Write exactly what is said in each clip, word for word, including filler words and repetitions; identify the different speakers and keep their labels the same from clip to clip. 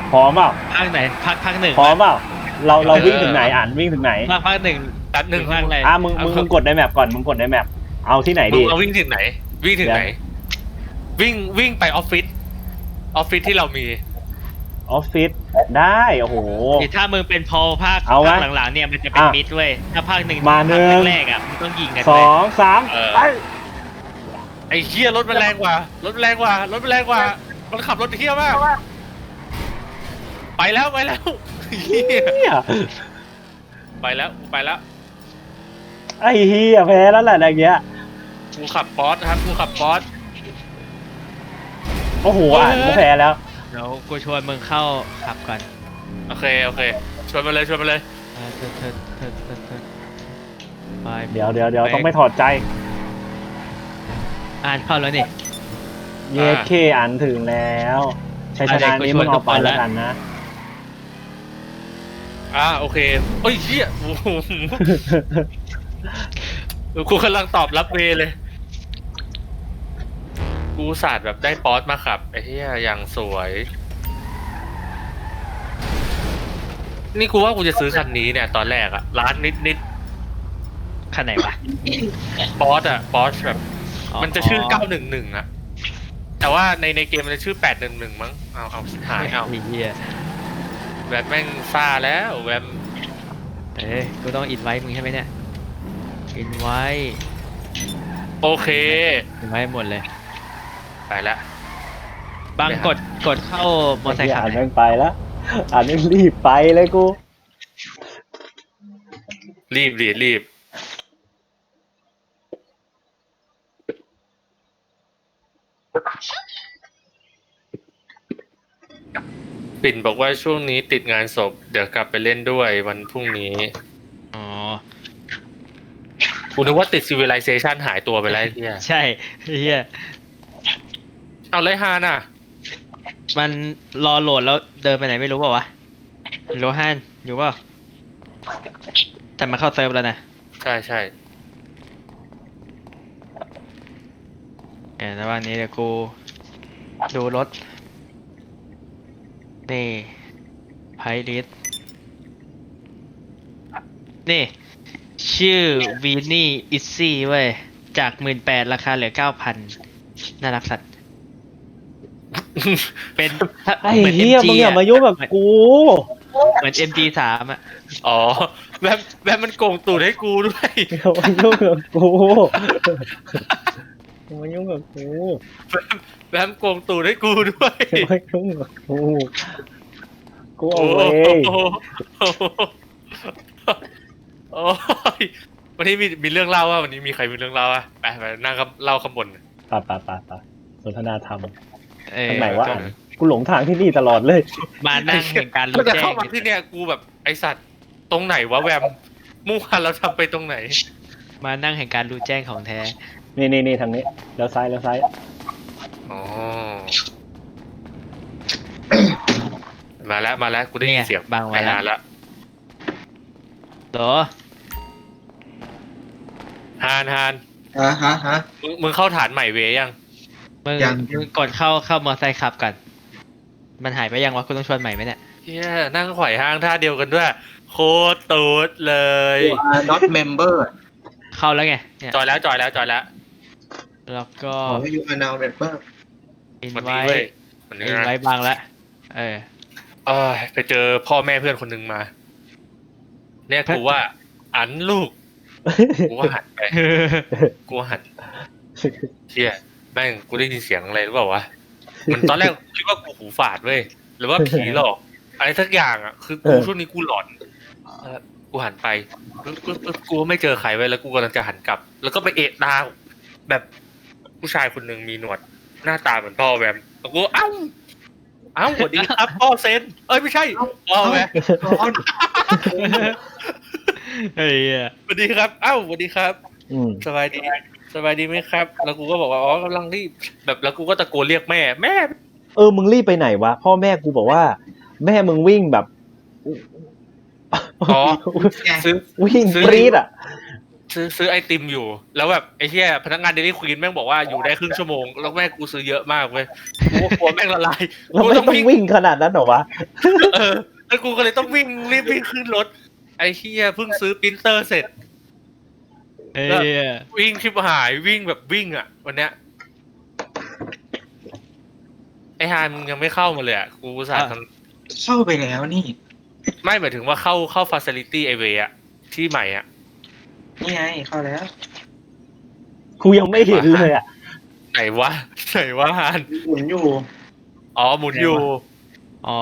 Speaker 1: พร้อมเปล่า
Speaker 2: ภาคไหนภาคภาคหนึ่ง
Speaker 1: พร้อมเปล่าเราเราวิ่งถึงไหนอ่านวิ่งถึงไหน
Speaker 2: ภาคภาคหนึ่ง
Speaker 3: แป๊บหนึ่ง
Speaker 2: ภาคอะไร
Speaker 1: อ่ะมึงมึงมึงกดในแมปก่อนมึงกดในแมปเอาที่ไหน
Speaker 3: มึ
Speaker 1: ดี
Speaker 3: งเราวิ่งถึงไหน วิ่งถึงไหน วิ่งวิ่งไปออฟฟิศออฟฟิศที่เรามี
Speaker 1: ออฟฟิศได้โอ้โห
Speaker 2: ถ้ามึงเป็นพอภาค
Speaker 1: เอาไหม
Speaker 2: ภาคหลังๆเนี่ยมันจะเป็น
Speaker 1: อ่ะ
Speaker 2: มิดเว้ยถ้าภาคหนึ่ง
Speaker 1: มาหนึ่ง
Speaker 2: ภาคแรกๆอ่ะมึงต้องยิงกัน
Speaker 1: ส
Speaker 2: เว้
Speaker 1: อย งสาม
Speaker 3: เออ
Speaker 1: ไป
Speaker 3: ไอ้เฮียรถมันแรงกว่ารถมันแรงกว่ารถมันแรงกว่ามันขับรถเฮียมากไปแล้วไปแล้วเฮีย
Speaker 1: เหี้ย
Speaker 3: ไปแล้วไปแล้ว
Speaker 1: ไอ้เฮียแพ้แล้วแหละอะไรเงี้ย
Speaker 3: กูขับป๊อสครับกูขับป๊อส
Speaker 1: โอ้โหอ่านก็แพ้แล้ว
Speaker 2: เดี๋ยวกูชวนมึงเข้าขับก่อน
Speaker 3: โอเคโอเคชวนมาเลยชวนมาเลย
Speaker 2: อ่าเถิดเถิดเถิดเถิดเถิดไป
Speaker 1: เดี๋ยวเดี๋ยวเดี๋ยวต้องไม่ถอดใจ
Speaker 2: อ่านเข้าแล้วนี่
Speaker 1: เยเคอ่านถึงแล้วชัยชนะนี้มึงเอาไปแล้วกันนะ
Speaker 3: อ่าโอเคเอ้ยเฮียโอ้โหกูกำลังตอบรับเวเลย กูศาสตร์แบบได้ป๊อสมาขับไอ้เหี้ยอย่างสวย นี่กูว่ากูจะซื้อคันนี้เนี่ย ตอนแรกอะร้านนิดนิด
Speaker 2: คันไหนวะ
Speaker 3: ป๊อสอะป๊อสแบบ
Speaker 2: อ๋อ
Speaker 3: มันจะชื่อเก้าหนึ่งหนึ่งอะแต่ว่าในในเกมมันจะชื่อแปดหนึ่งหนึ่งมั้งเอาเอาสิหายเอา
Speaker 2: ไอ้เหี้ย
Speaker 3: แวมแม่งซ่าแล้วแวม
Speaker 2: เอ้ยกูต้องอินไว้มึงใช่ไหมเนี่ยอินไว้
Speaker 3: โอเค
Speaker 2: อินไว้หมดเลย
Speaker 3: ไปละ
Speaker 2: บาง
Speaker 3: ไปหา
Speaker 2: กดกดเข้ามอเตอร์ไซค์ขับ
Speaker 1: อ่าน
Speaker 2: หน่
Speaker 1: แม่
Speaker 2: อย
Speaker 1: งไปแล้วอ่านแม่งรีบไปเลยกู
Speaker 3: รีบรีบรีบปิ่นบอกว่าช่วงนี้ติดงานศพ เดี๋ยวกลับไปเล่นด้วยวันพรุ่งนี้
Speaker 2: อ๋อ
Speaker 3: กูนึกว่าติด Civilization หายตัวไปแล้วไอ้เฮีย
Speaker 2: ใช่เฮีย
Speaker 3: เอาไรฮาน่ะ
Speaker 2: มันรอโหลดแล้วเดินไปไหนไม่รู้เปล่าวะโลฮันอยู่เปล่าแต่มาเข้าเซิร์ฟแล้วนะ
Speaker 3: ใช่ใช่
Speaker 2: เออแต่ว่านี้เดี๋ยวกูดูรถนี่ไพลิสนี่ชื่อวีนี่อิซซี่เว้ยจากหมื่นแปดราคาเหลือเก้าพันน่ารักสัตว์เป็นถ้า
Speaker 1: ไอ้
Speaker 2: หมืน
Speaker 1: เฮีย
Speaker 2: เอ็มจี
Speaker 1: มึงอย่ามายุ่งกับกู
Speaker 2: เหมือน เอ็ม จี สามอ่ะ
Speaker 3: อ๋อแบบแบบมันโกงตูดให้กูด้วย
Speaker 1: อย่ามายุ่งกับกูอย่ามายุ่งกับกู
Speaker 3: แบบโกงตูดให้กูด้วย
Speaker 1: อย่ามายุ่งกับกูกูเอา
Speaker 3: โอ้
Speaker 1: เว้ย
Speaker 3: โหโอ้ยวันนี้มีมีเรื่องเล่าว่าวันนี้มีใครมีเรื่องเล่าอ่ะไปไปนั่งกับเล่าข้างบน
Speaker 1: ป่าป่าป่าป่าสนทนาธรรม
Speaker 2: เออ
Speaker 1: ทางไหนวะอ่านกูหลงทางที่นี่ตลอดเลย
Speaker 2: มานั่งแห่งการ
Speaker 3: ก็
Speaker 2: รู้
Speaker 3: จะ
Speaker 2: แจ้
Speaker 3: เข้าง มาที่เนี่ยกูแบบไอสัตว์ตรงไหนวะแวมมุ่งพันเราทำไปตรงไหน
Speaker 2: มานั่งแห่งการรู้แจ้งของแท้
Speaker 1: นี่นี่นี่ทางนี้แล้วซ้ายแล้วซ้าย
Speaker 3: อ๋อ มาแล้วมาแล้วกูได้ยินเสียง
Speaker 2: บาง
Speaker 3: ไป
Speaker 2: ไว้แล้ว
Speaker 3: นานแล้ว
Speaker 2: โหรอ
Speaker 3: ฮานฮาน
Speaker 4: ฮะฮะฮะ
Speaker 3: มึงมึงเข้าฐานใหม่เวยัง
Speaker 2: มึง
Speaker 4: ยัง
Speaker 2: มึงกดเข้าเข้ามอไซค์ขับก่อนมันหายไปยังวะกูต้องชวนใหม่ไหมเนี่ย
Speaker 3: เฮียนั่งไขว่ห้างท่าเดียวกันด้วย โคตรตูดเลย
Speaker 4: you are not member
Speaker 2: เข้าแล้วไงเนี่ย
Speaker 3: จอยแล้วจอยแล้วจอยแล้ว
Speaker 2: แล้วก็
Speaker 4: ขอให้ you are now member
Speaker 2: อิน
Speaker 3: วัน
Speaker 2: ไว้
Speaker 3: นี้เว้ยวันนี้
Speaker 2: อิน
Speaker 3: นะ
Speaker 2: ไว้บางแล้วเออ
Speaker 3: เอ้ยไปเจอพ่อแม่เพื่อนคนหนึ่งมา เนี่ยกูว่า อันลูก กูว่าหันไป กูว่าหันเชี่ยแม่งกูได้ยินเสียงอะไรหรือเปล่าวะ มันตอนแรกคิดว่ากูหูฝาดเว้ย หรือว่าผีหลอก อะไรสักอย่างอ่ะ คือกูช่วงนี้กูหลอนเออกูหันไปปึ๊บปึ๊บปึ๊บกูไม่เจอใครไว้ยแล้วกูกำลังจะหันกลับ แล้วก็ไปเอะตาแบบผู้ชายคนหนึ่งมีหนวด หน้าตาเหมือนพ่อแวมแล้วกูเอ้า เอ้าสวัสดีครับพ่อเซน เอ้ยไม่ใช่พ่อแวม
Speaker 4: ร้อน
Speaker 2: เฮ้ย
Speaker 3: สวัสดีครับ เอ้าสวัสดีครับ
Speaker 1: อืม
Speaker 3: สบายดี สบายดีไหมครับ แล้วกูก็บอกว่าอ๋อกำลังรีบแบบแล้วกูก็ตะโกนเรียกแม่แม่
Speaker 1: เออมึงรีบไปไหนวะพ่อแม่กูบอกว่า แม่มึงวิ่งแบบ
Speaker 3: อ๋อซื้อ
Speaker 1: วิ่ง
Speaker 3: ซื้อ
Speaker 1: ปรี๊ดอ่ะ
Speaker 3: ซื้อซื้อไอติมอยู่ แล้วแบบไอ้เหี้ยพนักงานเดลี่ควีนแม่งบอกว่าอยู่ได้ครึ่งชั่วโมงแล้วแม่งกูซื้อเยอะมากเว้ยกูก็กลัวแม่งละลาย
Speaker 1: เราไม่ต้องวิ่งขนาดนั้นหรอวะ
Speaker 3: เออแล้วกูก็เลยต้องวิ่งรีบวิ่งขึ้นรถไอ้เหี้ยเพิ่งซื้อปรินเตอร์เสร็จ
Speaker 2: เอ้ย
Speaker 3: วิ่งชิบหายวิ่งแบบวิ่งอ่ะ วันเนี้ยไอ้ฮานมึงยังไม่เข้ามาเลยอ่ะกูอุตสาห์ท
Speaker 4: เข้าไปแล้วนี่
Speaker 3: ำไม่หมายถึงว่าเข้าเข้าฟาซิลิตี้ไอเวอ่ะที่ใหม่อ่ะ
Speaker 4: นี่ไงเข้าแล้ว
Speaker 1: กูยังไม่เห็นเลยอ่ะ
Speaker 3: ไหนวะไหนวะฮาน
Speaker 4: หมุนอยู่
Speaker 3: อ๋อหมุนอยู่
Speaker 2: อ๋อ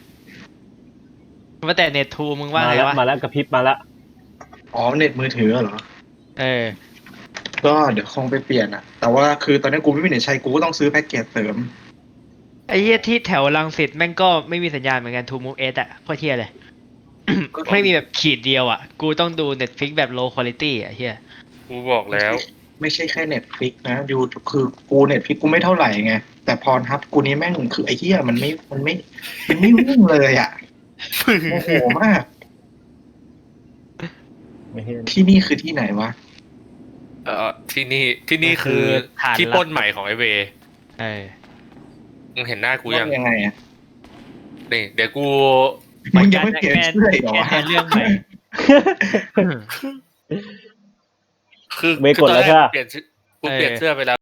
Speaker 2: ว่าแต่เน็ตทูมึงว่า
Speaker 1: มา
Speaker 2: ไง
Speaker 1: แล้ว
Speaker 2: วะ
Speaker 1: มาแล้วกระพริบมาแล้ว
Speaker 4: อ๋อเน็ตมือถือเหรอ
Speaker 2: เออ
Speaker 4: ก็เดี๋ยวคงไปเปลี่ยนอะแต่ว่าคือตอนนี้กูไม่มีเน็ตใช้กูก็ต้องซื้อแพ็กเกจเสริม
Speaker 2: ไอ้เหี้ยที่แถวรังสิตแม่งก็ไม่มีสัญญาณเหมือนกันทูมูฟเอสอะโคตรเที่ยเลย ไม่มีแบบขีดเดียวอะกูต้องดู Netflix แบบ low quality อะเฮีย
Speaker 3: กูบอกแล้ว
Speaker 4: ไม่ใช่แค่เน็ตฟลิกนะยูคือกูเน็ตฟลิกกูไม่เท่าไหร่ไงแต่พรทับกูนี่แม่งคือไอ้เหี้ยมันไม่มันไม่มันไม่วิ่งเลยอะโมโหมาก
Speaker 1: ไม่เห็น
Speaker 4: ที่นี่คือที่ไหนวะ
Speaker 3: เออที่นี่ที่นี่คือที่ปล้นใหม่ของไอเว
Speaker 2: เออ
Speaker 3: มึงเห็นหน้ากูยัง
Speaker 4: ยังไงอะ
Speaker 3: นี่เดี๋ยวกู
Speaker 4: มึงยังไม่เปลี่ยนเสื้ออีกเหรอ
Speaker 2: แค่
Speaker 4: วะ
Speaker 2: เรื่องใหม่
Speaker 3: คือ
Speaker 1: ไม่กดแล้ว
Speaker 3: คือตอนร
Speaker 1: ใช่ปะ
Speaker 3: เปลี่ยนชื่อกูเปลี่ยนเสื้อไปแล้ว